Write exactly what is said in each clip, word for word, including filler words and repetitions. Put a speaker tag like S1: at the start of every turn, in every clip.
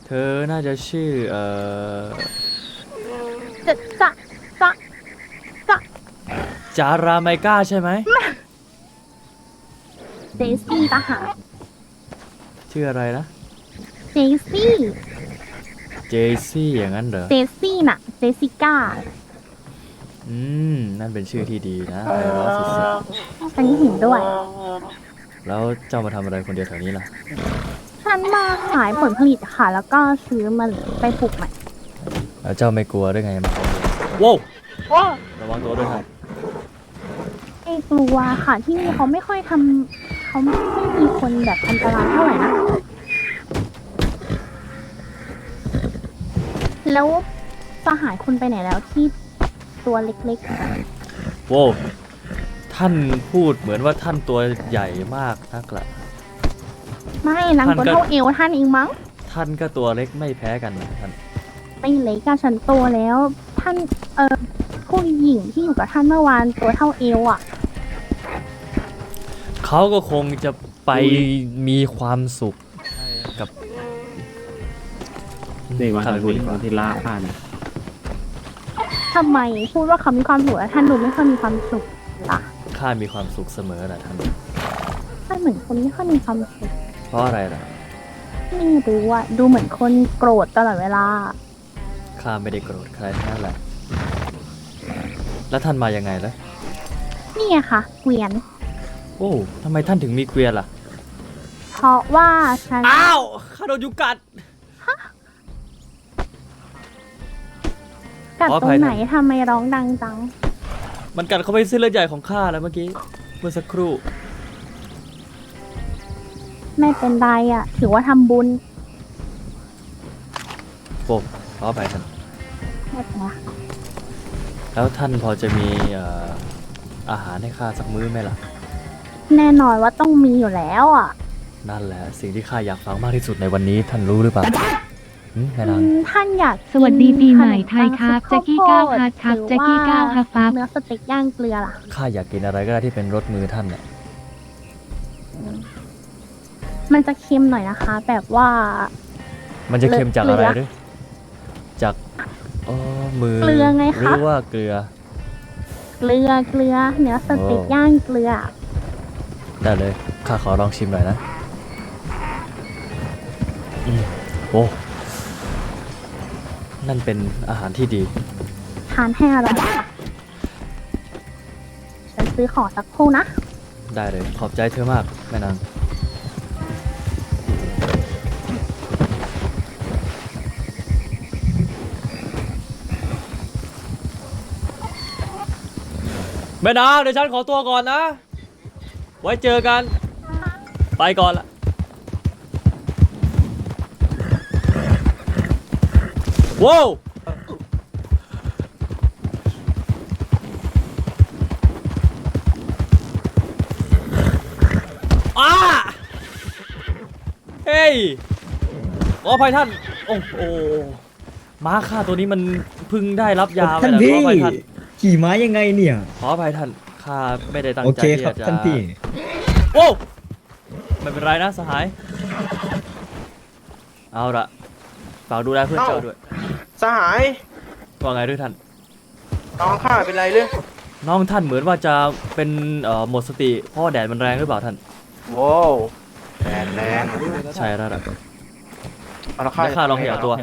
S1: เธอน่าจะชื่อเอ่อ
S2: จะจะจะจะ
S1: จาราไมก้าใช่ไหม
S2: เจสซี่ตาหา
S1: ชื่ออะไรนะ
S2: เจสซี่
S1: เจซี่อย่างนั้นเหรอ
S2: เจสซี่น่ะเจสสิก้า
S1: อืมนั่นเป็นชื่อที่ดีนะไพเราะสุด
S2: อันนี้เห็นด้วย
S1: ๆแล้วเจ้ามาทำอะไรคนเดียวแถวนี้ล่ะ
S2: ฉันมาขายผลผลิตค่ะ แล้วก็ซื้อมาไปปลูกใหม่
S1: แล้วเจ้าไม่กลัวได้ไงมาโว้วระวังตัวด้วยครับ
S2: ไอ้กลัวค่ะที่นี่เขาไม่ค่อยทำเขาไม่มีคนแบบอันตรายเท่าไหร่นะแล้วสหายคุณไปไหนแล้วที่ตัวเล็ก
S1: โว้วท่านพูดเหมือนว่าท่านตัวใหญ่มากนักละ
S2: ๆไม่นางตัวเท่าเอวท่านเองมั้ง
S1: ท่านก็ตัวเล็กไม่แพ้กันนะท่าน
S2: ไม่เล็กอะฉันโตแล้วท่านเออผู้หญิงที่อยู่กับท่านเมื่อวานตัวเท่าเอวอ่ะ
S1: เขาก็คงจะไปมีความสุขกับ
S3: นี่วัน
S1: ข้า
S3: ที่
S1: พูดดีกว่า
S3: วันที่ล่าข้าเนี่ย
S2: ทำไมพูดว่าเขามีความสุขแล้วท่านดูไม่ค่อยมีความสุขล่ะ
S1: ข้ามีความสุขเสมอนะท่าน
S2: ท่านเหมือนคนไม่ค่อยมีความสุข
S1: เพราะอะไรล่ะ
S2: ไม่รู้อะดูเหมือนคนโกรธตลอดเวลา
S1: ข้าไม่ได้โกรธใครทั้งนั่นแหละแล้วท่านมายังไงล่ะ
S2: นี่ไงคะเกวียน
S1: โอ้ทำไมท่านถึงมีเกวียนล่ะ
S2: เพราะว่าฉัน
S1: อ้าวข้าโดนยุงกัด
S2: กัด
S1: ขออ
S2: ตร
S1: ภัย
S2: ง
S1: นะ
S2: ไหนทำไมร้องดังจัง
S1: มันกัดเข้าไปเส้นเลือดใหญ่ของข้าแล้วเมื่อกี้เมื่อสักครู่
S2: ไม่เป็นไรอะถือว่าทำบุญ
S1: โอ้ขออภัยท่าน
S2: ไม่เป็นไร
S1: แล้วท่านพอจะมีเอ่ออาหารให้ข้าสักมื้อไหมล่ะ
S2: แน่นอนว่าต้องมีอยู่แล้วอะ
S1: นั่นแหละสิ่งที่ข้าอยากฟังมากที่สุดในวันนี้ท่านรู้หรือเปล่าหืมแม่
S2: อื
S1: นาง
S2: มท่านอยากกิน
S4: สวัสดีปีใหม่ไทย
S2: ขน
S4: ครับ
S2: ปัง
S4: แจ็คกี้
S2: ข้ว
S4: เก้า
S2: โพด
S4: ฮัทครับ
S2: หอ
S4: แจ็คกี้
S2: ว่
S4: เก้าฮัทครับ
S2: เนื้อสเต็กย่างเกลือล่ะ
S1: ข้าอยากกินอะไรก็ได้ที่เป็นรสมือท่านน่ะ
S2: มันจะเค็มหน่อยนะคะ แบบว่า
S1: มันจะเค็มจากอะไร
S2: เกลือ
S1: หรือจากอ๋อมือ
S2: เกลือไงคะ
S1: หรือว่าเกลือ
S2: เกลือเกลือเนื้อสเต็ก
S1: โอ้
S2: ย่างเกลือ
S1: ได้เลยข้าขอลองชิมหน่อยนะอืมโอ้นั่นเป็นอาหารที่ดี
S2: ทานให้อร่อยค่ะฉันซื้อของสักครู่นะ
S1: ได้เลยขอบใจเธอมากแม่นางแม่นางเดี๋ยวฉันขอตัวก่อนนะ ไว้เจอกัน ไปก่อนละว้าวอ้าเฮ้ยขออภัยท่าน โอ้โหม้าข้าตัวนี้มันเพึ่งได้รับยาไป
S5: ท่าน
S1: แล้วข
S5: พี่
S1: ออภัยท่าน
S5: ขี่ม้ายังไงเนี่ย
S1: ขออภัยท่านข้าไม่ได้ตั้ง
S5: โอ
S1: ใจ
S5: เค
S1: ที่
S5: ครับ
S1: จะ
S5: ท่านพี่
S1: โอ้ไม่เป็นไรนะสหาย เอาละฝากดูแลเพื่อนเจ้าด้วย
S6: สหาย
S1: ว่าไงด้วยท่าน
S6: น้องข้าเป็นไรเลย
S1: น้องท่านเหมือนว่าจะเป็นเอ่อหมดสติเพราะว่าแดดมันแรงหรือเปล่าท่าน
S6: โว้วแรงแรง
S1: ใช่แล้วล่ะ
S6: เอาละข้า
S1: เดี๋ยวข้าลองขยับตัว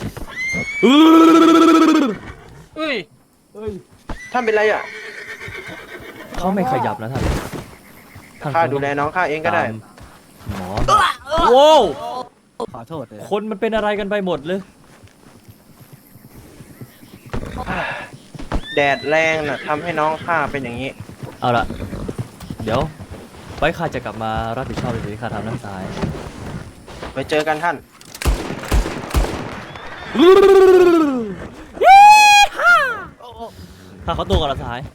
S6: เอ้ยท่านเป็นไรอ่ะ
S1: เขาไม่ขยับนะท่านท่าน
S6: ข้าดูแลน้องข้าเองก็ได้
S1: ตามหมอโว้ว
S3: ขอโทษเลย
S1: คนมันเป็นอะไรกันไปหมดเลย
S6: แดดแรงน่ะทำให้น้องข้าเป็นอย่างนี้
S1: เอาละเดี๋ยวไว้ข้าจะกลับมารับผิดชอบในสิ่งที่ข้าทำน้ำสาย
S6: ไปเจอกันท่าน
S1: ข้าขอตัวก่อนละสหาย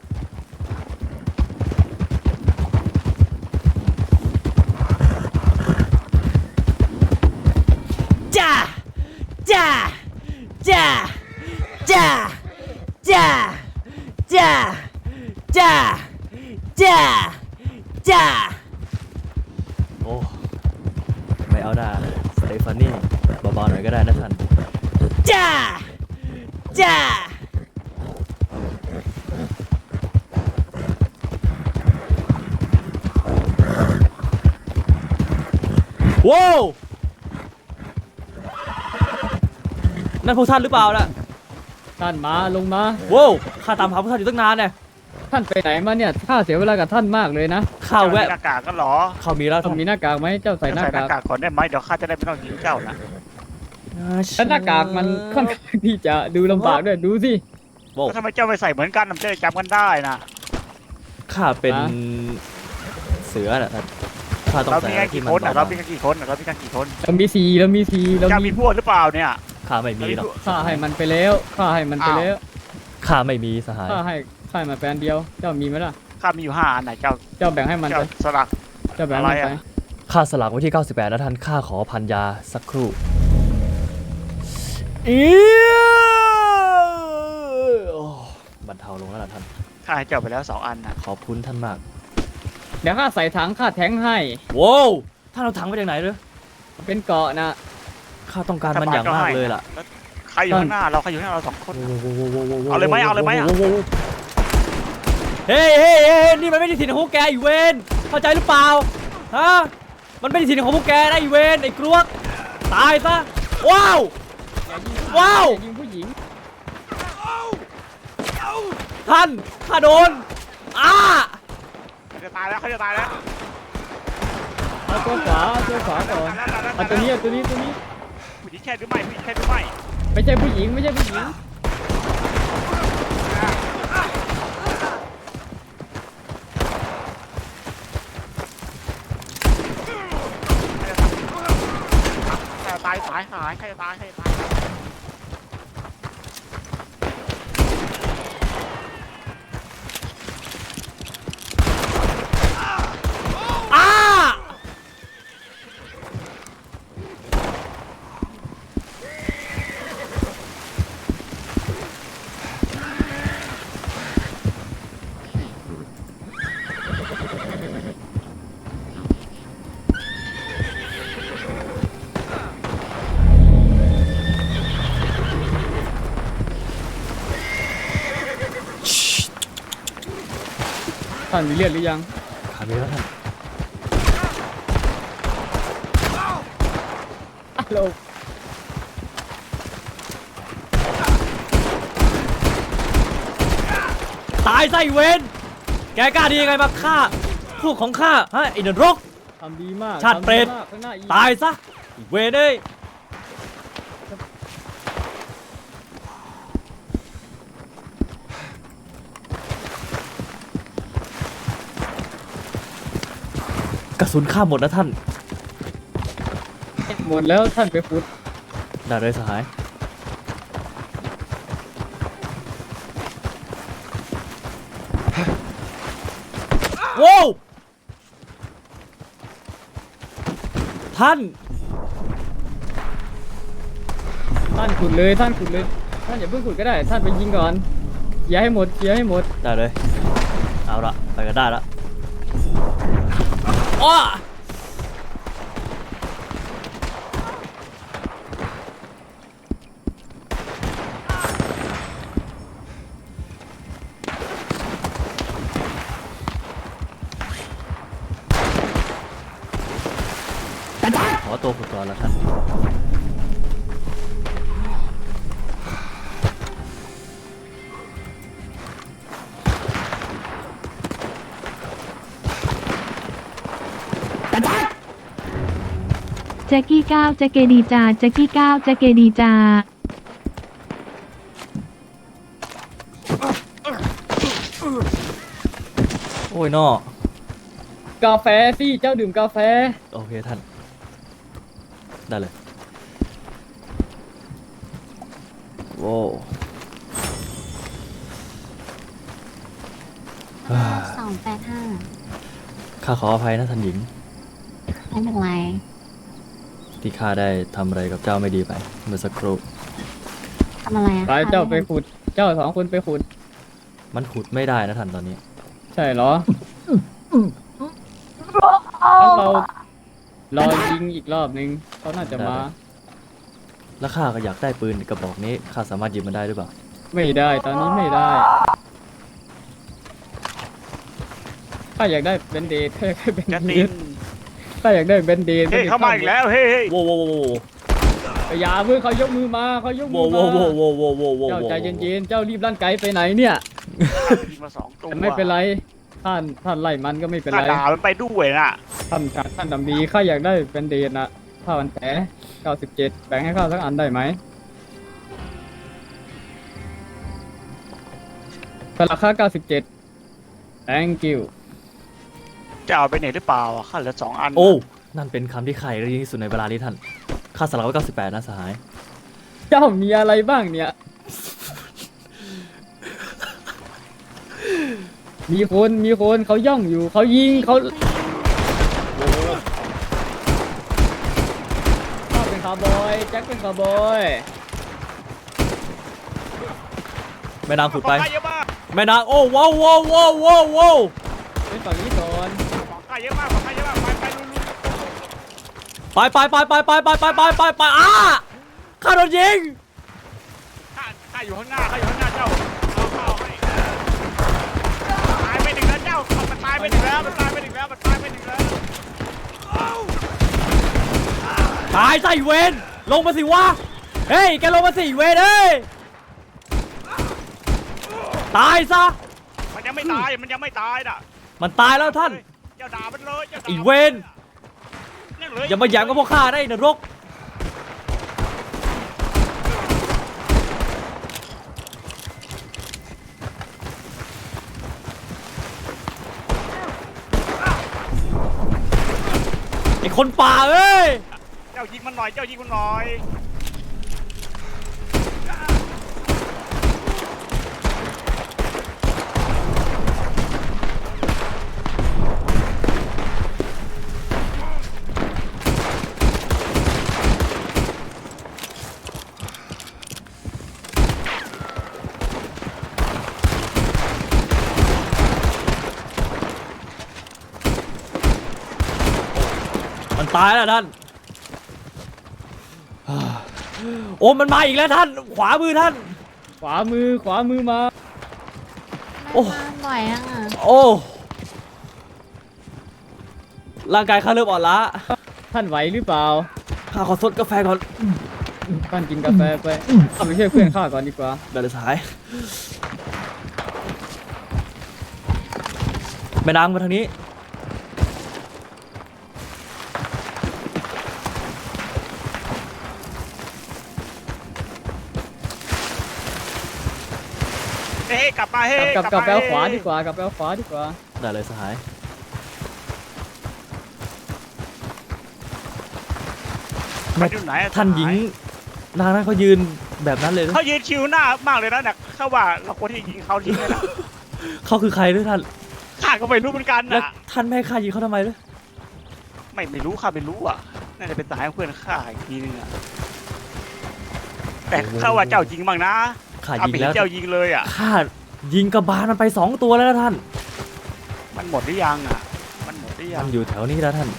S1: จ้าจ้าจ้าจ้าจ้าจ้าจ้าจ้าจ้าโอ้ไม่เอาหน้าสเตฟานี่เบาๆหน่อยก็ได้นะท่านจ้าจ้าว้าวนั่นพวกท่านหรือเปล่าล่ะ
S4: ท่านมาลงมา
S1: ว้าวข้าตามหาพวกท่านอยู่ตั้งนานเนี่ย
S4: ท่านไปไหนมาเนี่ยข้าเสียเวลากับท่านมากเลยนะ
S1: ข้าแวะ
S5: หน้ากากก็หรอ
S1: ข้ามีแล้ว
S4: ต้อ
S1: ท่าง น
S4: มีหน้ากากไหมเจ้าใส่หน้า
S5: ใส่หน้าก
S4: าก
S5: กากก่อนได้ไหมเดี๋ยวข้าจะได้ไม่ต้องยิงเจ้านะ
S4: แล้วหน้ากากมันค่อนข้างที่จะดูลำบากด้วยดูสิ
S1: ว้าว
S5: แล้วทำไมเจ้าไม่ใส่เหมือนกันมันจะได้จำกันได้นะ
S1: ข้าเป็น
S4: ฮะ
S1: เสือน่ะท่านข้าต้อง
S5: เรา
S1: ใส่
S5: มี
S1: อะไร
S5: กัน
S1: ที่
S5: กี่
S1: มัน
S5: คนอ่ะ
S1: เบา
S5: เรามีกันกี่คนอ่ะเรามีกันกี่คน
S4: เรามีสีเรามีสีเรา
S5: เจ้า
S4: มี
S5: มีพวกหรือเปล่าเนี่ย
S1: ๆข้าไม่มีหรอก
S4: ข้าให้มันไปแล้วข้าให้มันไปแล้ว
S1: ข้าไม่มีสหาย
S4: ข้าให้ข้าให้มาแฟนเดียว เจ้ามีไหมล่ะ
S5: ข้ามีอยู่ห้าอันไหนเจ้า
S4: เจ้าแบ่งให้มัน
S5: เจ้า
S4: ไป
S5: สลัก
S4: เจ้าแบ่งให้มัน
S5: อะไร
S4: ไป
S5: อะ
S1: ข้าสลักไว้ที่เก้าสิบแปดนะท่านข้าขอพันยาสักครู่เอี๊ยโอ้บรรเทาลงแล้วล่ะท่าน
S5: ข้าให้เจ้าไปแล้วสองอันนะ
S1: ขอบคุณท่านมาก
S4: เดี๋ยวข้าใส่ถังข้าแทงให้
S1: ว้าวท่านเอาถังมาจากไหนเลย
S4: เป็นเกาะนะ
S1: ข้าต้องการมันอย่างมากเลยล่ะ
S5: แล้วใครอยู่ข้างหน้าเราใครอยู่ข้างหน้าเราสองคน เอา
S1: เอา
S5: เลยไหมเอาเลยไหมอะ
S1: เฮ้ยเฮ้ยเฮ้ยนี่มันไม่ได้ถิ่นของพวกแกอีเวนเข้าใจหรือเปล่าฮะมันไม่ได้ถิ่นของพวกแกนะอีเวนไอ้กรวกตายซะว้าวว้าว
S4: อย่ายิงผู้หญิง
S1: ท่านข้าโดนอ้า
S5: เขาจะตายแล้วเขาจะตายแล้ว
S4: เอาตัวขวาเอาตัวขวาก่อนเอาตัวนี้เอาตัวนี้ตัวนี้
S5: ผู้หญิงแค่หรือไม่ผู้หญิงแค่หรือไม่
S4: ไม่ใช่ผู้หญิงไม่ใช่ผู้หญิง
S5: ใครจะตายตายหายใครจะตายใครจะตาย
S1: อ้า
S4: ท่านมีเลือดหรือยัง
S1: ขามีแล้วท่าน
S4: ฮัลโหล
S1: ตายซะอีเวนแกกล้าดียังไงมาฆ่าพวกของข้าฮะไอ้นรก
S4: ทำดีมาก
S1: ชาติเปรต
S4: ทำดีมากข้างหน้าอีก
S1: ตายซะอีเวนเอ้ยกระสุนข้าหมดนะท่าน
S4: หมดแล้วท่านไปฟุด
S1: ได้เลยสหายว้าวท่าน
S4: ท่านขุดเลยท่านขุดเลย ท่านอย่าเพิ่งขุดก็ได้ ท่านไปยิงก่อนเคลียร์ให้หมดเคลียร์ให้หมด
S1: ได้เลย เอาละไปกันได้ละอ้อขอตัวขุดก่อนละท่าน
S2: แจ็กกี้ก้าวแจ็กเกดีจาแจ็กกี้ก้าวแจ็กเกดีจา
S1: โอ้ยนอก
S4: าแฟสิเจ้าดื่มกาแฟ
S1: โอเคท่าน ได้เลย โว้ว
S7: สองแปดห้า
S1: ข้าขออภัยนะท่านหญิง
S7: ไม่เป็นไร
S1: ที่ข้าได้ทำอะไรกับเจ้าไม่ดีไป เมื่อสักครู่
S7: ทำอะไรอะ
S4: ไปเจ้าไปขุด เจ้าสองคนไปขุด
S1: มันขุดไม่ได้นะท่านตอนนี้
S4: ใช่เหรองั้นเรารอยิงอีกรอบนึงเขาน่าจะมา
S1: แล้วข้าก็อยากได้ปืนกระบอกนี้ข้าสามารถหยิบมันได้หรือเปล่า
S4: ไม่ได้ตอนนี้ไม่ได้ข้าอยากได้เบนเดดข้าอยากได้เบน
S5: จะ
S4: เด
S5: ติ
S4: ด
S5: น
S4: ข้าอยากได้เบนเดด
S5: เฮ้ยเข้ามาอีกแล้วเฮ้ยเฮ้ย
S1: โว้โว้โว้โว้
S4: อย่าเพิ่งเขายกมือมาเขายกมื
S1: โว้
S4: อ
S1: โว้
S4: มา
S1: โว้โว้โว้โว้โว้
S4: เจ้าใจเย็นๆเจ้ารีบลั่นไกไปไหนเนี่ย
S5: ยิงมาสองตัว
S4: แต่ไม่เป็นไรท่านท่านไล่มันก็ไม่เป็น
S5: ข้า
S4: ไร
S5: ด่ามันไปด้วยน่ะ
S4: ท่านท่านดำดีข้าอยากได้เบนเดดนะผ้าพันแผลเก้าสิบเจ็ดแบ่งให้ข้าสักอันได้ไหมเป็นราคาเก้าสิบเจ็ด thank you
S5: จะเอาไปไหนหรือเปล่าอ่ะข้าเหลือสองอัน
S1: โอ้นั่นเป็นคำที่ใครได้ยินที่สุดในเวลานี้ท่านข้าสลักไว้เก้าสิบแปดนะสหาย
S4: เจ้ามีอะไรบ้างเนี่ย มีคนมีคนเขาย่องอยู่เขายิงเขาข้าเป็นคาร์บอยแจ็คเป็นคาร์บอย
S1: แม่นางขุดไป
S5: ของข้าเยอะมาก
S1: แม่นางโอ้ว้าวว้าวว้าวว้าวว้าว
S4: เป็นฝั่งนี้ก่อน
S5: ของข้าเยอะมากของข้าเยอะมากไปไปลุลุ
S1: ไปไปไปไปไปไปไปไปไปไปอ้าข้าโดนยิง
S5: ข้าข้าอยู่ข้างหน้าข้าอยู่ข้างหน้าเจ้าเอาเข้าให้ตายไปหนึ่งแล้วเจ้ามันตายไปหนึ่งแล้วมันตายไปหนึ่งแล้วมันตายไปหนึ่งแล้ว
S1: ตายใส่เวนลงมาสิวะเฮ้ยแกลงมาสิเวนเฮ้ยตายซะ
S5: มันยังไม่ตายมันยังไม่ตายน่ะ
S1: มันตายแล้วท่าน
S5: เจ้าด่ามันเลยเจ้าด่า
S1: อีเวน
S5: นั่นเลย
S1: อย่ามาแย้มกับพวกข้าได้นรกไอ้คนป่าเอ้ย
S5: เจ้ายิงมันหน่อยเจ้ายิงมันหน่อย
S1: มันตายแล้วท่าน โอ้มันมาอีกแล้วท่าน ขวามือท่าน
S4: ขวามือขวามือมา
S1: โอ้
S7: ไม่มาบ่อยอ่ะ
S1: โอ้ร่างกายข้าเริ่มอ่อนล้า
S4: ท่านไหวหรือเปล่า
S1: ข้าขอซดกาแฟก่อน
S4: ท่านกินกาแฟไปเอาไปช่วยเพื่อนข้าก่อนดีกว่า
S1: เดี๋ยวเลยสายแม่นางมาทางนี้
S5: เฮ้ยกลับมาเฮ้
S4: กลับกลับกลับไป
S5: ม
S4: เอาขวาดีกว่ากลับไปเอาขวาดีกว่า
S1: ได้เลยสหาย
S5: มันอยู่ไหนอะ
S1: ท่านหญิงนางนั้นเขายืนแบบนั้นเลยนะ
S5: เขายืนคิวหน้ามากเลยนะเนี่ยเขาว่าเราควรที่จะยิงเขาทิ้งเลยนะ
S1: เขาคือใครด้วยท่าน
S5: ข้าก็ไม่รู้เหมือนกัน
S1: แล้ว
S5: นะ
S1: ท่านไม่ให้ข้ายิงเขาทำไมด้วย
S5: ไม่ไม่รู้ข้าไม่รู้อ่ะน่าจะเป็นสายของเพื่อนข้าอีกทีนึงอ่ะแต่ข้าว่าเจ้ายิงบ้างนะ
S1: ข้า
S5: ข้า
S1: ยิง
S5: ไม่เห็
S1: แล้
S5: น
S1: ว
S5: เจ้ายิงเลยอ่ะ
S1: ข้ายิงกระบาลมันไปสองตัวแล้วนะท่าน
S5: มันหมดหรือยังอ่ะมันหมดหรือยั
S1: มั
S5: ง
S1: นอยู่แถวนี้แล้วท่าน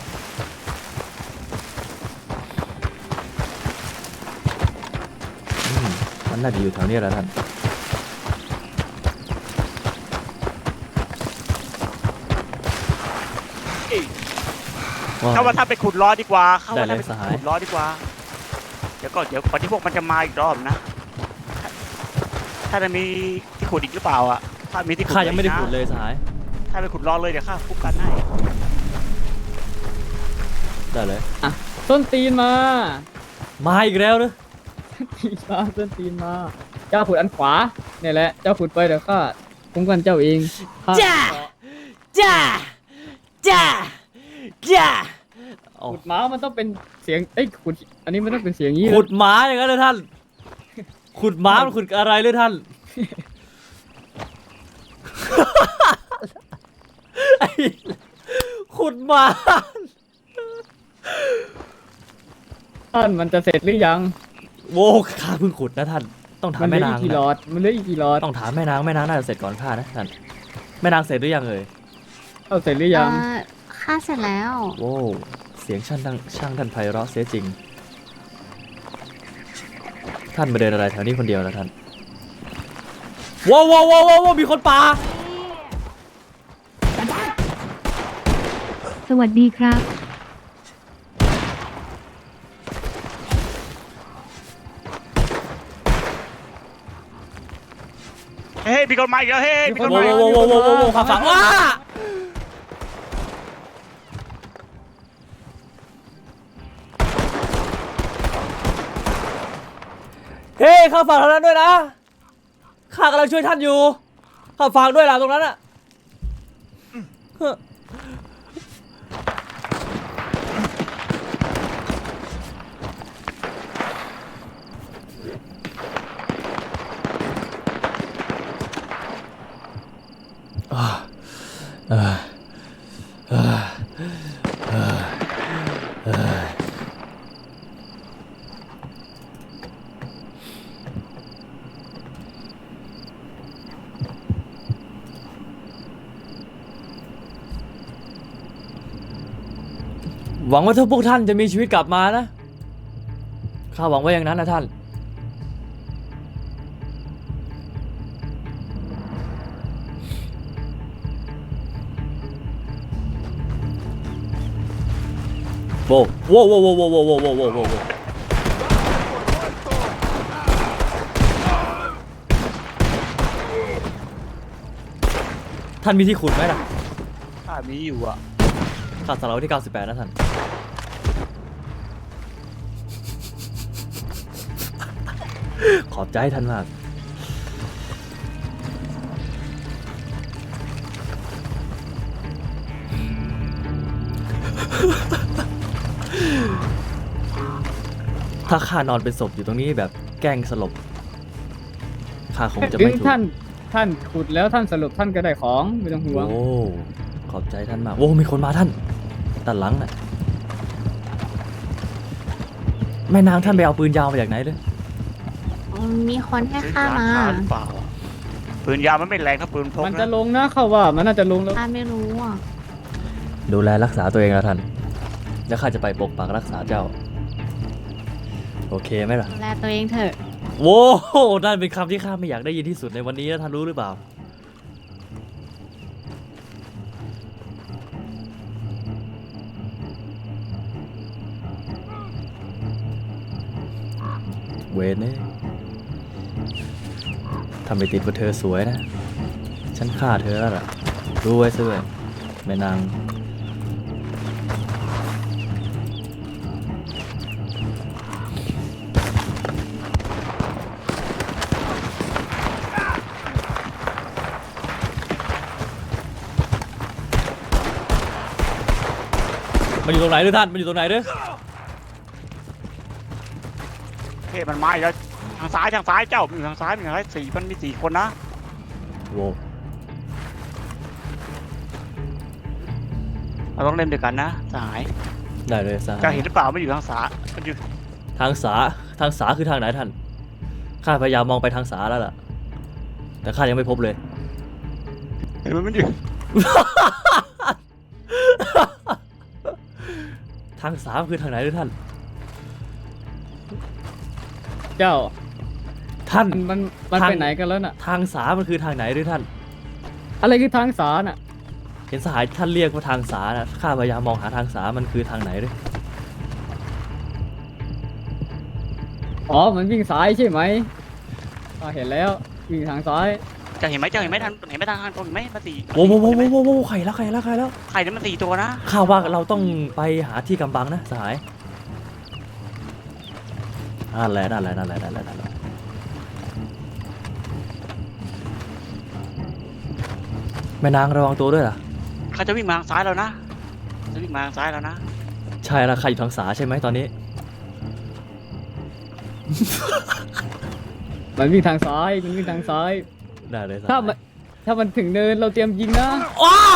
S1: อืมมันน่าจะอยู่แถวนี้แล้วท่าน
S5: เขาว่าถ้าไปขุดล้อดีกว่าเขา
S1: ได้
S5: ว่า
S1: เล
S5: ถ้าย ไป
S1: สหาย
S5: ขุดล้อดีกว่าเดี๋ยวก็เดี๋ยวก่อนที่พวกมันจะมาอีกรอบนะถ้าถ้าจะมีที่ขุดอีกหรือเปล่าอ่ะถ้ามีที่ขุด
S1: ข้ายังไม่ได้
S5: อีกนะ
S1: ขุดเลยสหาย
S5: ถ้าไปขุดล้อเลยเดี๋ยวข้าคุ้มกันให้
S1: ได้เลย
S4: อ่ะส้นตีนมา
S1: มาอีกแล้วเนอะ
S4: ตีนมาส้นตีนมา เจ้าขุดอันขวาเนี่ยแหละเจ้าขุดไปเดี๋ยวข้าคุ้มกันเจ้าเองข้
S1: จ้า จ้า จ้า จ้าโอ้
S4: ขุดม้ามันต้องเป็นเสียงเอ้ยขุดอันนี้มันต้องเป็นเสียงนี้
S1: ขุดหมาอย่างนั้นเลยท่าน ขุดหมามันขุดอะไรเลยท่าน ไอ้ขุดหมา
S4: ท่านมันจะเสร็จหรือยัง
S1: โว้ข้าเพิ่งขุดนะท่าน ต้องถาม
S4: มันเหลื
S1: แม่
S4: ออี
S1: นาก ง
S4: กี่หล
S1: นะ
S4: อดมันเหลืออีกกี่หลอด
S1: ต้องถามแม่นางแม่นางน่าจะเสร็จก่อนข้านะท่าน แม่นางเสร็จหรือยังเอ่ย
S4: เอาเสร็จหรือยัง
S7: เอ่อค่าเสร็จแล้ว
S1: โว้เสียงช่างดังช่างท่านไพเราะเสียจริงท่านมาเดินอะไรแถวนี้คนเดียวนะท่านว้าวว้าวว้าวว้าวมีคนป่า
S2: สวัสดีครับ
S5: เฮ้ยมีคนมาอีกแล้วเฮ้ยมีคน
S1: ว้า
S5: มา
S1: วว้าวว้าวว้าวว้าวขับฝั่งว้าเฮ้ยข้าฝากทางนั้นด้วยนะข้ากำลังช่วยท่านอยู่ข้าฝากด้วยล่ะตรงนั้นอะหวังว่าถ้าพวกท่านจะมีชีวิตกลับมานะข้าหวังว่าอย่างนั้นนะท่านโว้โว้โว้โว้โว้โว้โว้โว้โว้โว้โว้ท่านมีที่ขุดไหมล่ะ
S5: ข้ามีอยู่อ่ะ
S1: ขาดสำหรับที่เก้าสิบแปดนะท่านขอบใจท่านมากถ้าข้านอนเป็นศพอยู่ตรงนี้แบบแกล้งสลบข้าคงจะ
S4: ถึ
S1: ไม่
S4: ง
S1: ถูก
S4: ท่านท่านขุดแล้วท่านสรุปท่านก็ได้ของไม่ต้องห่วง
S1: โอ้ขอบใจท่านมากโอ้มีคนมาท่านด้านหลังน่ะแม่นางท่านไปเอาปืนยาวมาจากไหนเลย
S7: มีคนให้ข้ามา
S5: หรือเปล่าปืนยาวมันไม่แรงถ้าปืนพก
S4: มันจะ
S5: นะ
S4: ลงนะเข้าว่ามันน่าจะลงแล้ว
S7: ข้าไม่รู้อ่ะ
S1: ดูแลรักษาตัวเองนะท่านแล้วข้าจะไปปกปักรักษาเจ้าโอเคไหมล่ะ
S7: ดูแลตัวเองเถอะ
S1: โว้นั่นเป็นคำที่ข้าไม่อยากได้ยินที่สุดในวันนี้นะท่านรู้หรือเปล่าเวนเนี่ยทำไปติดว่าเธอสวยนะ ฉันฆ่าเธอแล้วล่ะรู้ไว้ซะด้วยแม่นาง มันอยู่ตรงไหนด้วยท่าน มันอยู่ตรงไหนด้วย
S5: เฮ้ยมันมาอีกแล้วทางซ้ายทางซ้ายเจ้ามีทางซ้ายมีทางซ้ายสี่มันมีสี่คนนะ
S1: โว้
S5: เราต้องเล่นด้วยกันนะสหาย
S1: ได้เลยสหาย
S5: เจ้าเห็นหรือเปล่ามันอยู่ทางซ้ายมันอยู่
S1: ทางสา ทางสาคือทางไหนท่าน ข้าพยายามมองไปทางสาแล้วล่ะ แต่ข้ายังไม่พบเลย
S5: เห็นไหมมันอยู่
S1: ทางสาคือทางไหนด้วยท่าน
S4: เจ้า
S1: ท่าน
S4: มันมันมัน
S1: ทาง
S4: ไปไหนกันแล้วน่ะ
S1: ทางสามันคือทางไหนด้วยท่าน
S4: อะไรคือทางสาน่ะ
S1: เห็นสหายท่านเรียกว่าทางสานะข้าพยายามมองหาทางสามันคือทางไหนด้วย
S4: อ๋อมันวิ่งซ้ายใช่ไหมอ่าเห็นแล้ววิ่งทางซ้าย
S5: เจ้าเห็นไหมเจ้าเห็นไหมทางเห็นไหมทางทางตรงเห็นไหมมันสี่
S1: โว้โว้โว้โว้โว้โว้ไข่แล้วไข่แล้วไข่แล้ว
S5: ใครเนี่ยมันสี่ตัวนะ
S1: ข้าว่าเราต้องไปหาที่กำบังนะสหายนั่นแหละนั่นแหละนั่นแหละนั่นแหละนั่นแหละแม่นางระวังตัวด้วยล่ะ
S5: เขาจะวิ่งมาทางซ้ายแล้วนะจะวิ่งมาทางซ้ายแล้วนะ
S1: ใช่แล้วใครอยู่ทางสาใช่ไหมตอนนี้
S4: มันวิ่งทางซ้ายมันวิ่งทางซ้าย
S1: ได้เลยสหาย
S4: ถ้ามันถ้ามันถึงเนินเราเตรียมยิงนะ
S1: ว้า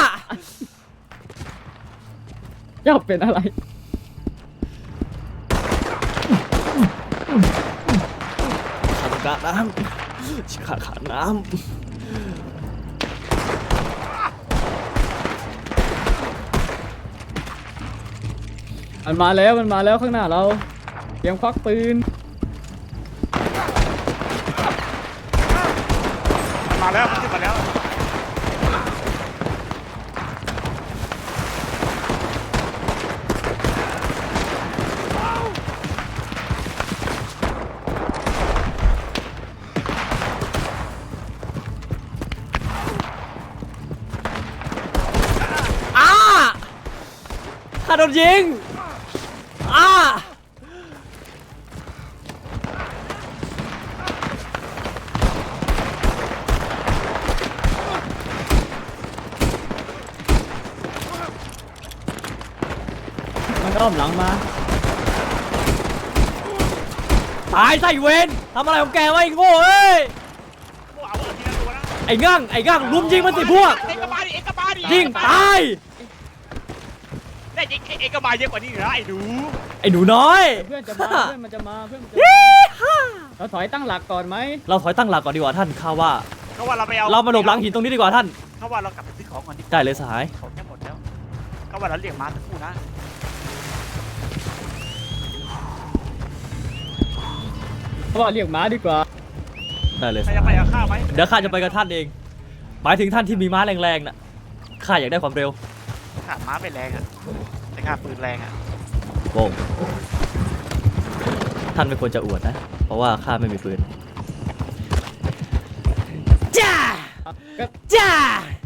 S4: เจ้าเป็นอะไร
S1: ขาดน้ำขาดขาดน้
S4: มันมาแล้วมันมาแล้วข้างหน้าเราเตรียมควักปืน
S5: มาแล้วมันขึ้นมาแล้ว
S1: อ้าข้าโดนยิงอ้า
S4: มันอ้อมหลังมา
S1: ตายซะไอ้เวนทำอะไรของแกวะไอ้โง่เอ้ย
S5: พวกเอาเอาทีละตัวนะ
S1: ไอ้งั่งไอ้งั่งลุมยิงมันสิพวก
S5: เอ็กซ์กบาดิเอ็กซ์กบาดิ
S1: ยิงตาย
S5: ได้ยิงเอ็กซ์กบาเยอะกว่านี้เหรอไอ้ดู
S1: ไอ้หนูน้อย
S4: เพื่อนจะมาเพื่อนมันจะมาเพื่อนมันจะ
S1: ยี่
S4: มา
S1: ห้า
S4: เราถอยตั้งหลักก่อนไหม
S1: เราถอยตั้งหลักก่อนดีกว่าท่านข้าว่า
S5: เขาว่าเราไปเอา
S1: เรามาหลบหลังหินตรงนี้ดีกว่าท่าน
S5: เขาว่าเรากลับไปซื้อของก่อนดีกว่า
S1: ได้เลยสหาย
S5: ของแค่หมดแล้วเขาว่าเราเรียกมาสักครู่นะ
S4: เพราะว่าเรียกหมาดีกว่า
S1: ได้เลย
S5: ใค
S1: ส
S5: รจะ
S1: หา
S5: ไป
S1: ย
S5: เอาข้าวไหม
S1: เดี๋ยวข้าจะไปกับท่านเองหมายถึงท่านที่มีม้าแรงๆน่ะข้าอยากได้ความเร็ว
S5: ขาดม้าไปแรงอ่ะแต่ขาดปืนแรงอ่ะ
S1: โว้งท่านไม่ควรจะอวดนะ เพราะว่าข้าไม่มีปืนจ้า
S4: ก็
S1: จ้า